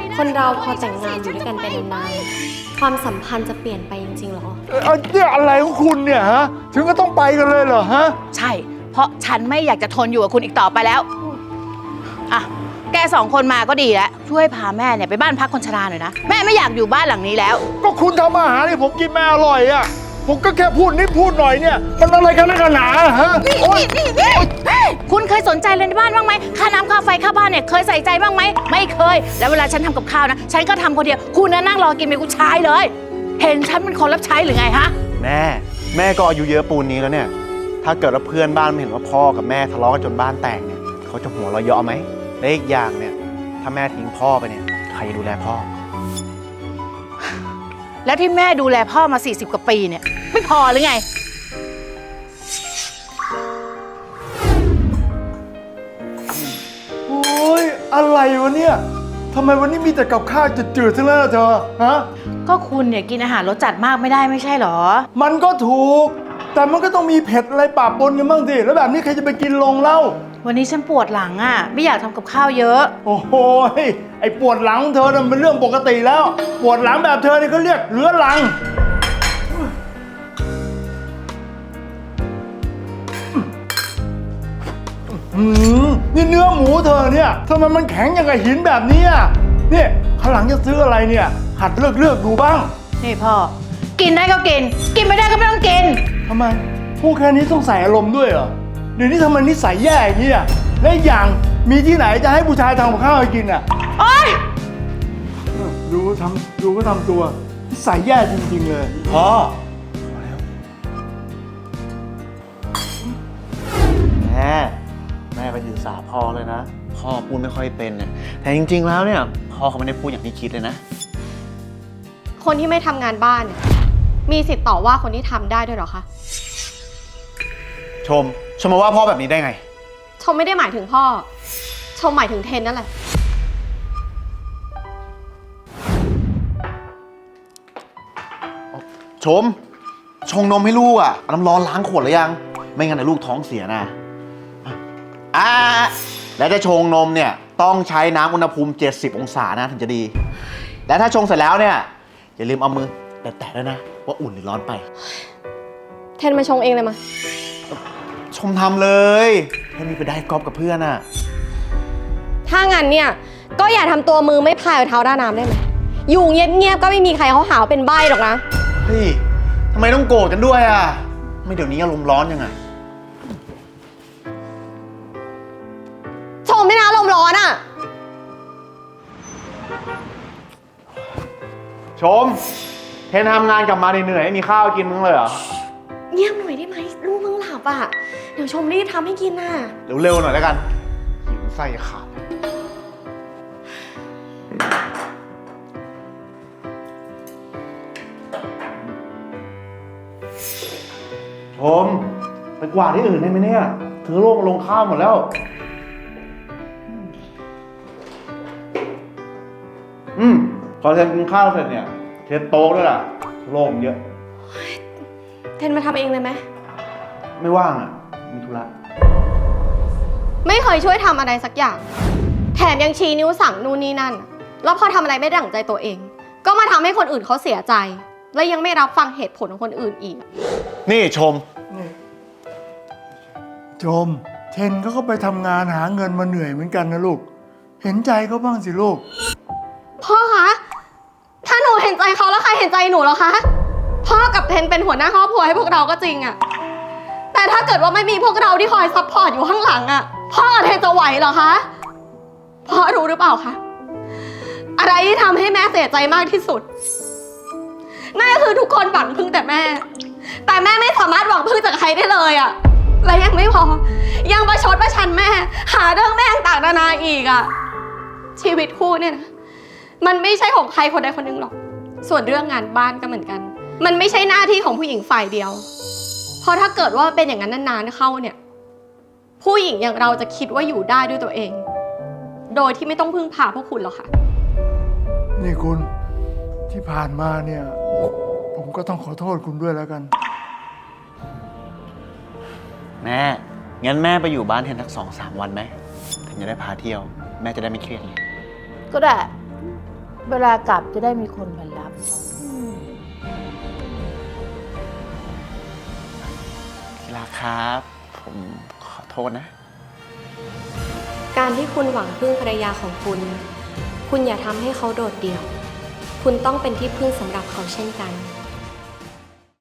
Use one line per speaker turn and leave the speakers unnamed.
คนเราพอแต่งงานอยู่ด้วยกันไปนานๆความสัมพันธ์จะเปลี่ยนไปจริงๆหรอ
เนี่ยอะไรของคุณเนี่ยฮะถึงก็ต้องไปกันเลยเหรอฮะ
ใช่เพราะฉันไม่อยากจะทนอยู่กับคุณอีกต่อไปแล้วอ่ะแก2 คนมาก็ดีแล้วช่วยพาแม่เนี่ยไปบ้านพักคนชราหน่อยนะแม่ไม่อยากอยู่บ้านหลังนี้แล้ว
ก็คุณทำอาหารให้ผมกินไม่อร่อยอ่ะผมก็แค่พูดนิดพูดหน่อยเนี่ยมันอะไรกันนักหนาฮะ
นี่คุณเคยสนใจเลยในบ้านบ้างไหมค่าน้ำค่าไฟค่าบ้านเนี่ยเคยใส่ใจบ้างไหมไม่เคยแล้วเวลาฉันทำกับข้าวนะฉันก็ทำคนเดียวคุณน่ะนั่งรอกินเป็นผู้ชายเลยเห็นฉันเป็นคนรับใช้หรือไงฮะ
แม่ก็อายุเยอะปูนนี้แล้วเนี่ยถ้าเกิดว่าเพื่อนบ้านเห็นว่าพ่อกับแม่ทะเลาะกันจนบ้านแตกเนี่ยเขาจะหัวเราะเยาะไหมและอีกอย่างเนี่ยถ้าแม่ทิ้งพ่อไปเนี่ยใครจะดูแลพ่อ
แล้วที่แม่ดูแลพ่อมา40 กว่าปีเนี่ยไม่พอหรือไง
โอ้ยอะไรวะเนี่ยทำไมวันนี้มีแต่กับข้าวจืดๆทั้งนั้นล่ะเธอฮะ
ก็คุณเนี่ยกินอาหารรสจัดมากไม่ได้ไม่ใช่หรอ
มันก็ถูกแต่มันก็ต้องมีเผ็ดอะไรปะปนกันบ้างสิแล้วแบบนี้ใครจะไปกินลงเล่า
วันนี้ฉันปวดหลังอ่ะไม่อยากทำกับข้าวเยอะ
โอ้โหไอ้ปวดหลังเธอมันเป็นเรื่องปกติแล้วปวดหลังแบบเธอนี่เขาเรียกเรื้อรังนี่เนื้อหมูเธอเนี่ยทำไมมันแข็งอย่างกับหินแบบนี้นี่ข้างหลังจะซื้ออะไรเนี่ยหัดเลือกดูบ้าง
นี่พ่อกินได้ก็กินกินไม่ได้ก็ไม่ต้องกิน
ทำไมพูดแค่นี้ต้องใส่อารมณ์ด้วยเหรอเดี๋ยวนี้ทำไมนิสัยแย่อย่างนี้และอย่างมีที่ไหนจะให้ผู้ชายทำกับข้าวให้กิน
โอ๊ย
ดูก็ทำตัวนิสัยแย่จริงๆเลย
พ่อแม่ไปถือสาพ่อเลยนะพ่อพูดไม่ค่อยเป็นเนี่ยแต่จริงๆแล้วเนี่ยพ่อเขาไม่ได้พูดอย่างที่คิดเลยนะ
คนที่ไม่ทำงานบ้านเนี่ยมีสิทธิ์ต่อว่าคนที่ทำได้ด้วยหรอคะ
ชมมาว่าพ่อแบบนี้ได้ไง
ชมไม่ได้หมายถึงพ่อชมหมายถึงเทนนั่นแหละ
ชงนมให้ลูกน้ำร้อนล้างขวดหรือยังไม่งั้นเดี๋ยวลูกท้องเสียนะแล้วจะชงนมเนี่ยต้องใช้น้ำอุณหภูมิ70 องศานะถึงจะดีและถ้าชงเสร็จแล้วเนี่ยอย่าลืมเอามือแตะๆด้วยนะว่าอุ่นหรือร้อนไป
เทนมาชงเองเลยมา
ชมทำเลยให้มีไปได้กอล์ฟกับเพื่อน
ถ้างั้นเนี่ยก็อย่าทำตัวมือไม่พายเท้าด้านน้ำได้ไหมอยู่เงียบๆก็ไม่มีใครเขาหาเป็นใบ้หรอกนะ
เฮ้ยทำไมต้องโกรธกันด้วยไม่เดี๋ยวนี้อารมณ์ร้อนยังไง
ชมไม่นะอารมณ์ร้อน
ชมเทนทำงานกลับมาเหนื่อยๆมีข้าวกินมึงเลยเหรอ
เงียบหน่อยได้ไหมลูกมึงหลับเดี๋ยวชมรีบทำให้กิน
เร็วๆหน่อยแล้วกันหิวไส้ขาดชมไปกวาดที่อื่นได้ไหมเนี่ยเธอลงข้าวหมดแล้วพอเทนกินข้าวเสร็จเนี่ยเทนโต๊ะด้วยล่ะโล่งเยอะ
เทนมาทำเองเลยไหม
ไม่ว่างมีธุระ
ไม่เคยช่วยทำอะไรสักอย่างแถมยังชี้นิ้วสั่งนู่นนี่นั่นแล้วพอทำอะไรไม่ได้ดั่งใจตัวเองก็มาทำให้คนอื่นเขาเสียใจและยังไม่รับฟังเหตุผลของคนอื่นอีก
นี่ชม
เทนเขาก็ไปทำงานหาเงินมาเหนื่อยเหมือนกันนะลูกเห็นใจเขาบ้างสิลูก
พ่อคะถ้าหนูเห็นใจเขาแล้วใครเห็นใจหนูหรอคะพ่อกับเทนเป็นหัวหน้าครอบครัวให้พวกเราก็จริงแต่ถ้าเกิดว่าไม่มีพวกเราที่คอยซัพพอร์ตอยู่ข้างหลังพ่อกับเทนจะไหวเหรอคะพ่อรู้หรือเปล่าคะอะไรที่ทำให้แม่เสียใจมากที่สุดนั่นก็คือทุกคนหวังพึ่งแต่แม่ไม่สามารถหวังพึ่งจากใครได้เลยและยังไม่พอยังประชดประชันแม่หาเรื่องแม่ต่างๆนานาอีกชีวิตคู่เนี่ยนะมันไม่ใช่ของใครคนใดคนหนึ่งหรอกส่วนเรื่องงานบ้านก็เหมือนกันมันไม่ใช่หน้าที่ของผู้หญิงฝ่ายเดียวเพราะถ้าเกิดว่าเป็นอย่างนั้นนานๆเข้าเนี่ยผู้หญิงอย่างเราจะคิดว่าอยู่ได้ด้วยตัวเองโดยที่ไม่ต้องพึ่งพาพวกคุณหรอกค่ะ
นี่คุณที่ผ่านมาเนี่ยผมก็ต้องขอโทษคุณด้วยแล้วกัน
งั้นแม่ไปอยู่บ้านเทนสัก2-3 วันไหมถึงจะได้พาเที่ยวแม่จะได้ไม่เครียด
ก็ได้เวลากลับจะได้มีคนมารับ
ที่รักครับ ผมขอโทษนะ
การที่คุณหวังพึ่งภรรยาของคุณ คุณอย่าทำให้เขาโดดเดี่ยว คุณต้องเป็นที่พึ่งสำหรับเขาเช่นกัน